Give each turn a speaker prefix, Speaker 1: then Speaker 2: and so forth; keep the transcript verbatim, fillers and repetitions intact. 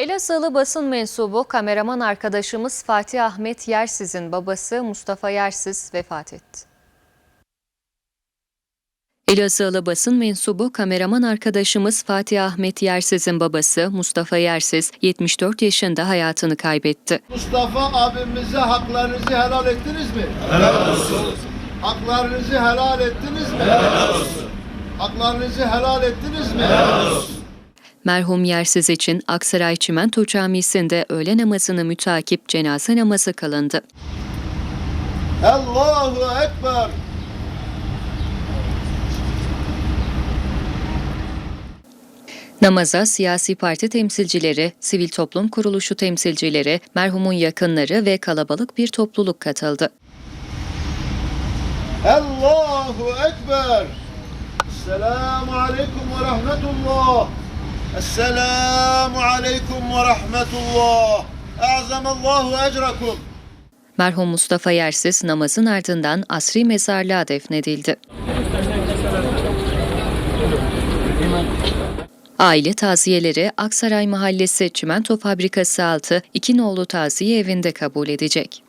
Speaker 1: Elazığlı basın mensubu kameraman arkadaşımız Fatih Ahmet Yersiz'in babası Mustafa Yersiz vefat etti. Elazığlı basın mensubu kameraman arkadaşımız Fatih Ahmet Yersiz'in babası Mustafa Yersiz yetmiş dört yaşında hayatını kaybetti.
Speaker 2: Mustafa abimize haklarınızı helal ettiniz mi?
Speaker 3: Helal olsun.
Speaker 2: Haklarınızı helal ettiniz mi?
Speaker 3: Helal olsun.
Speaker 2: Haklarınızı helal ettiniz mi?
Speaker 3: Helal olsun.
Speaker 1: Merhum Yersiz için Aksaray Çimento Camisi'nde öğle namazını mütakip cenaze namazı kılındı.
Speaker 2: Allahu Ekber.
Speaker 1: Namaza siyasi parti temsilcileri, sivil toplum kuruluşu temsilcileri, merhumun yakınları ve kalabalık bir topluluk katıldı.
Speaker 2: Allahu Ekber. Esselamu Aleyküm ve Rahmetullah. Esselamu Aleyküm ve Rahmetullah. E'azamallahu ecrakum.
Speaker 1: Merhum Mustafa Yersiz namazın ardından asri mezarlığa defnedildi. Aile taziyeleri Aksaray Mahallesi Çimento Fabrikası altı iki nolu taziye evinde kabul edecek.